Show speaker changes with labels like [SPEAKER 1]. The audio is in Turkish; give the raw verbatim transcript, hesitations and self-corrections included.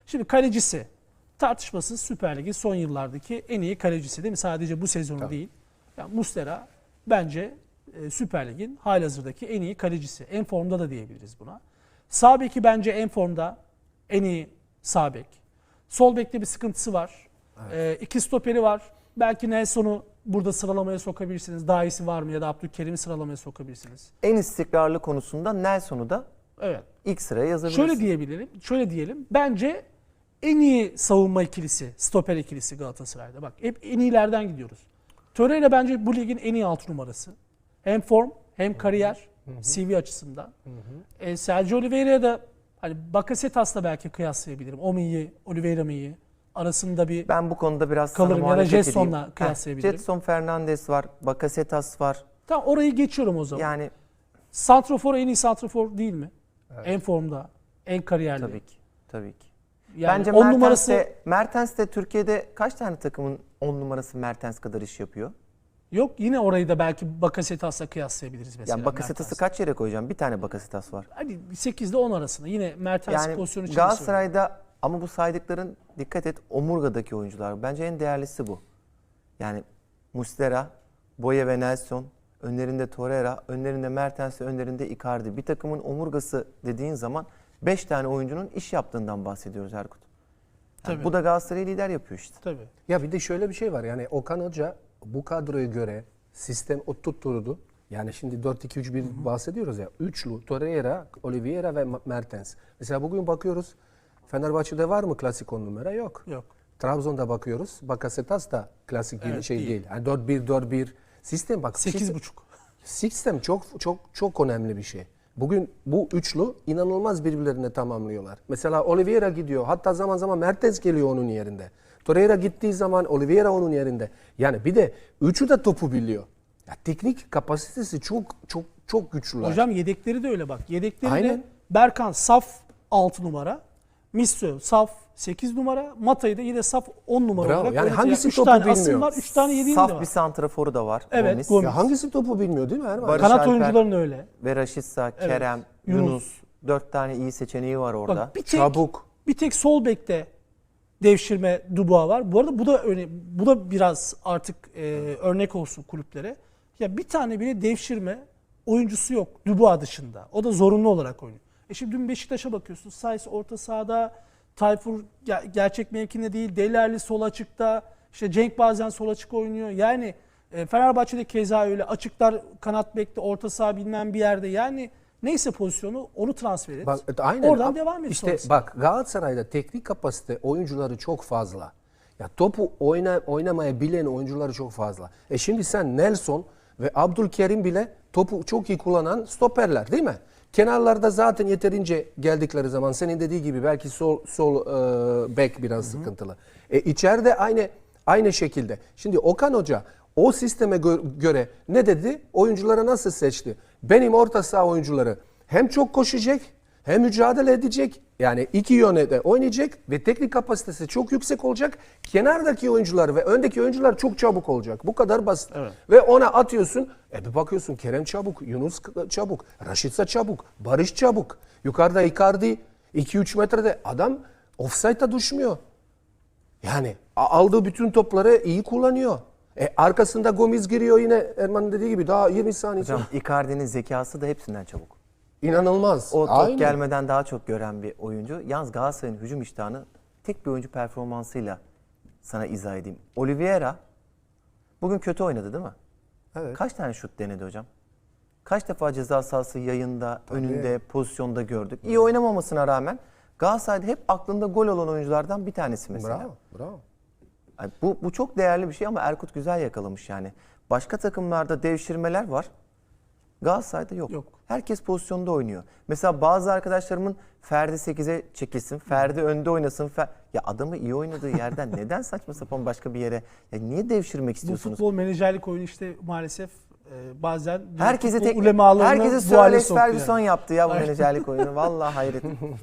[SPEAKER 1] Şimdi kalecisi tartışmasız Süper Lig'in son yıllardaki en iyi kalecisi değil mi? Sadece bu sezonu
[SPEAKER 2] Tabii.
[SPEAKER 1] değil. Yani Muslera bence e, Süper Lig'in halihazırdaki en iyi kalecisi. En formda da diyebiliriz buna. Sağ beki bence en formda, en iyi sağ bek. Sol bekte bir sıkıntısı var.
[SPEAKER 2] Evet.
[SPEAKER 1] E, iki stoperi var. Belki Nelson'u burada sıralamaya sokabilirsiniz. Daha iyisi var mı ya da Abdülkerim'i sıralamaya sokabilirsiniz.
[SPEAKER 3] En istikrarlı konusunda Nelson'u da
[SPEAKER 1] Evet.
[SPEAKER 3] ilk sıraya yazabilirsin.
[SPEAKER 1] Şöyle diyebilirim. Şöyle diyelim. Bence en iyi savunma ikilisi, stoper ikilisi Galatasaray'da. Bak hep en iyilerden gidiyoruz. Torreira bence bu ligin en iyi altı numarası. Hem form hem kariyer, C V açısından. Hı hı. E, Sergio Oliveira'ya da hani Bakasetas'la belki kıyaslayabilirim. O mu iyi, Oliveira mı iyi? Arasında bir
[SPEAKER 3] Ben bu konuda biraz
[SPEAKER 1] kalırım
[SPEAKER 3] sana
[SPEAKER 1] ya da
[SPEAKER 3] muhalefet
[SPEAKER 1] Jetson'la
[SPEAKER 3] edeyim.
[SPEAKER 1] kıyaslayabilirim.
[SPEAKER 3] Heh, Jetson Fernandes var, Bakasetas var.
[SPEAKER 1] Tamam orayı geçiyorum o zaman.
[SPEAKER 3] Yani
[SPEAKER 1] Santrafor en iyi santrafor değil mi? Evet. En formda, en kariyerli.
[SPEAKER 3] tabii ki. Tabii ki.
[SPEAKER 1] Yani
[SPEAKER 3] Bence
[SPEAKER 1] on
[SPEAKER 3] Mertens
[SPEAKER 1] numarası
[SPEAKER 3] de, Mertens de Türkiye'de kaç tane takımın on numarası Mertens kadar iş yapıyor?
[SPEAKER 1] yok. Yine orayı da belki Bakasetas'la kıyaslayabiliriz mesela.
[SPEAKER 3] Yani Bakasetas'ı
[SPEAKER 1] Mertens'le.
[SPEAKER 3] kaç yere koyacağım? Bir tane Bakasetas var.
[SPEAKER 1] Hani sekizde on arasında. Yine Mertens
[SPEAKER 3] Yani
[SPEAKER 1] pozisyonu için
[SPEAKER 3] Galatasaray'da ama bu saydıkların dikkat et omurgadaki oyuncular. Bence en değerlisi bu. Yani Muslera, Boye ve Nelson, önlerinde Torreira, önlerinde Mertens, önlerinde Icardi. Bir takımın omurgası dediğin zaman beş tane oyuncunun iş yaptığından bahsediyoruz Erkut. Yani
[SPEAKER 1] Tabii.
[SPEAKER 3] bu da Galatasaray'ı lider yapıyor işte.
[SPEAKER 1] Tabii.
[SPEAKER 2] Ya bir de şöyle bir şey var. Yani Okan Hoca bu kadroya göre sistem oturtturdu. Yani şimdi dört iki üç bir bahsediyoruz ya. Üçlü Torreira, Oliveira ve Mertens. Mesela bugün bakıyoruz. Fenerbahçe'de var mı klasik on numara? Yok.
[SPEAKER 1] Yok.
[SPEAKER 2] Trabzon'da bakıyoruz. Bakasetas da klasik bir
[SPEAKER 1] Evet,
[SPEAKER 2] şey
[SPEAKER 1] değil.
[SPEAKER 2] değil. Yani dört bir dört bir sistem bak.
[SPEAKER 1] sekiz
[SPEAKER 2] sistem-
[SPEAKER 1] buçuk.
[SPEAKER 2] Sistem çok çok çok önemli bir şey. Bugün bu üçlü inanılmaz birbirlerine tamamlıyorlar. Mesela Oliveira gidiyor. Hatta zaman zaman Mertens geliyor onun yerinde. Torreira gittiği zaman Oliveira onun yerinde. Yani bir de üçü de topu biliyor. Ya teknik kapasitesi çok çok çok güçlüler.
[SPEAKER 1] Hocam yedekleri de öyle bak. Yedekleri de
[SPEAKER 2] Aynen.
[SPEAKER 1] Berkan saf altı numara. Misso saf sekiz numara. Mata'yı da yine saf on numara
[SPEAKER 2] Bravo.
[SPEAKER 1] olarak
[SPEAKER 2] Yani
[SPEAKER 1] oynatıyor.
[SPEAKER 2] hangisi
[SPEAKER 1] üç
[SPEAKER 2] topu
[SPEAKER 1] tane asım
[SPEAKER 2] bilmiyor?
[SPEAKER 1] var, üç tane yediğim de
[SPEAKER 3] Saf
[SPEAKER 1] var.
[SPEAKER 3] bir santraforu da var.
[SPEAKER 1] Evet,
[SPEAKER 3] Gomis.
[SPEAKER 1] Gomis.
[SPEAKER 2] Ya hangisi topu bilmiyor değil mi Erman?
[SPEAKER 3] Barış
[SPEAKER 1] Kanat
[SPEAKER 3] Alper
[SPEAKER 1] oyuncuların öyle.
[SPEAKER 3] ve Raşitsa, Kerem,
[SPEAKER 1] Yunus.
[SPEAKER 3] Yunus. Dört tane iyi seçeneği var orada.
[SPEAKER 1] Bak bir tek,
[SPEAKER 2] Çabuk.
[SPEAKER 1] bir tek sol bekte devşirme Dubois var. Bu arada bu da öne, bu da biraz artık e, örnek olsun kulüplere. Ya bir tane bile devşirme oyuncusu yok Dubois dışında. O da zorunlu olarak oynuyor. E şimdi dün Beşiktaş'a bakıyorsun. Sayıs orta sahada, Tayfur ger- gerçek mevkinde değil, Delerli sol açıkta. İşte Cenk bazen sol açık oynuyor. Yani e, Fenerbahçe'de keza öyle açıklar kanat bekte, orta saha bilmem bir yerde. Yani neyse pozisyonu onu transfer et.
[SPEAKER 2] Bak, aynen.
[SPEAKER 1] Oradan
[SPEAKER 2] Ab-
[SPEAKER 1] devam et
[SPEAKER 2] İşte
[SPEAKER 1] sonrasında.
[SPEAKER 2] bak Galatasaray'da teknik kapasite oyuncuları çok fazla. Ya topu oyna, oynamaya bilen oyuncuları çok fazla. E şimdi sen Nelson ve Abdülkerim bile topu çok iyi kullanan stoperler değil mi? Kenarlarda zaten yeterince geldikleri zaman senin dediği gibi belki sol sol e, bek biraz Hı-hı. sıkıntılı. E içeride aynı aynı şekilde. Şimdi Okan Hoca o sisteme gö- göre ne dedi? Oyuncuları nasıl seçti? Benim orta saha oyuncuları hem çok koşacak hem mücadele edecek. Yani iki yöne de oynayacak ve teknik kapasitesi çok yüksek olacak. Kenardaki oyuncular ve öndeki oyuncular çok çabuk olacak. Bu kadar basit.
[SPEAKER 1] Evet.
[SPEAKER 2] Ve ona atıyorsun. E bir bakıyorsun Kerem çabuk, Yunus çabuk, Raşitsa çabuk, Barış çabuk. Yukarıda Icardi iki üç metrede adam offside'a düşmüyor. Yani aldığı bütün topları iyi kullanıyor. E arkasında Gomis giriyor yine Erman'ın dediği gibi daha yirmi saniye sonra.
[SPEAKER 3] Hocam Icardi'nin zekası da hepsinden çabuk.
[SPEAKER 2] İnanılmaz.
[SPEAKER 3] O top
[SPEAKER 2] Aynen.
[SPEAKER 3] gelmeden daha çok gören bir oyuncu. Yalnız Galatasaray'ın hücum iştahını tek bir oyuncu performansıyla sana izah edeyim. Oliveira bugün kötü oynadı değil mi?
[SPEAKER 2] Evet.
[SPEAKER 3] Kaç tane şut denedi hocam? Kaç defa ceza sahası yayında, önünde, pozisyonda gördük. İyi oynamamasına rağmen Galatasaray'da hep aklında gol olan oyunculardan bir tanesi mesela.
[SPEAKER 2] Bravo, bravo.
[SPEAKER 3] Yani bu, bu çok değerli bir şey ama Erkut güzel yakalamış yani. Başka takımlarda devşirmeler var. Galatasaray'da yok.
[SPEAKER 1] Yok.
[SPEAKER 3] Herkes pozisyonda oynuyor. Mesela bazı arkadaşlarımın Ferdi sekize çekilsin, Ferdi önde oynasın. Fer... Ya adamı iyi oynadığı yerden neden saçma sapan başka bir yere? Ya niye devşirmek
[SPEAKER 1] Bu
[SPEAKER 3] istiyorsunuz?
[SPEAKER 1] futbol menajerlik oyunu işte maalesef e, bazen
[SPEAKER 3] Herkese
[SPEAKER 1] futbol
[SPEAKER 3] tek
[SPEAKER 1] ulemalarını
[SPEAKER 3] herkese
[SPEAKER 1] bu
[SPEAKER 3] Sir
[SPEAKER 1] hale
[SPEAKER 3] Alex
[SPEAKER 1] soktu
[SPEAKER 3] Ferguson
[SPEAKER 1] yani.
[SPEAKER 3] yaptı ya bu menajerlik oyunu. Vallahi hayret.